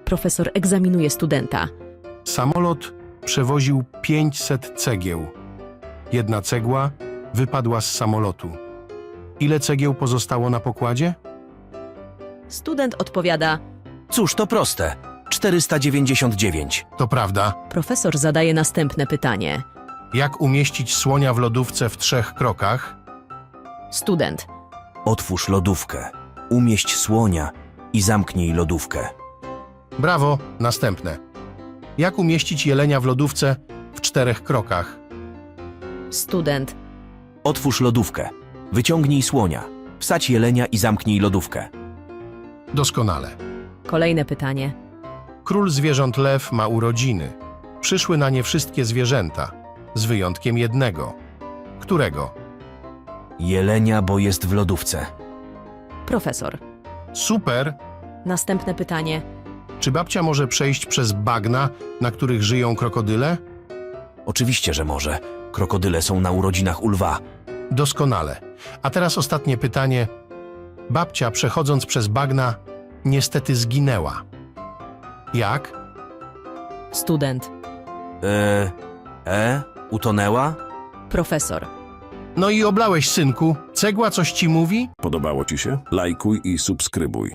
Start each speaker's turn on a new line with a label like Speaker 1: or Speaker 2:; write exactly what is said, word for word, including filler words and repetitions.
Speaker 1: Profesor egzaminuje studenta.
Speaker 2: Samolot przewoził pięćset cegieł. Jedna cegła wypadła z samolotu. Ile cegieł pozostało na pokładzie?
Speaker 1: Student odpowiada.
Speaker 3: Cóż, to proste. czterysta dziewięćdziesiąt dziewięć.
Speaker 2: To prawda.
Speaker 1: Profesor zadaje następne pytanie.
Speaker 2: Jak umieścić słonia w lodówce w trzech krokach?
Speaker 1: Student.
Speaker 3: Otwórz lodówkę, umieść słonia i zamknij lodówkę.
Speaker 2: Brawo, następne. Jak umieścić jelenia w lodówce w czterech krokach?
Speaker 1: Student.
Speaker 3: Otwórz lodówkę, wyciągnij słonia, wsadź jelenia i zamknij lodówkę.
Speaker 2: Doskonale.
Speaker 1: Kolejne pytanie.
Speaker 2: Król zwierząt lew ma urodziny. Przyszły na nie wszystkie zwierzęta, z wyjątkiem jednego. Którego?
Speaker 3: Jelenia, bo jest w lodówce.
Speaker 1: Profesor.
Speaker 2: Super!
Speaker 1: Następne pytanie.
Speaker 2: Czy babcia może przejść przez bagna, na których żyją krokodyle?
Speaker 3: Oczywiście, że może. Krokodyle są na urodzinach u lwa.
Speaker 2: Doskonale. A teraz ostatnie pytanie. Babcia, przechodząc przez bagna, niestety zginęła. Jak?
Speaker 1: Student.
Speaker 3: E, e, utonęła?
Speaker 1: Profesor.
Speaker 2: No i oblałeś, synku. Cegła coś ci mówi?
Speaker 4: Podobało Ci się? Lajkuj i subskrybuj.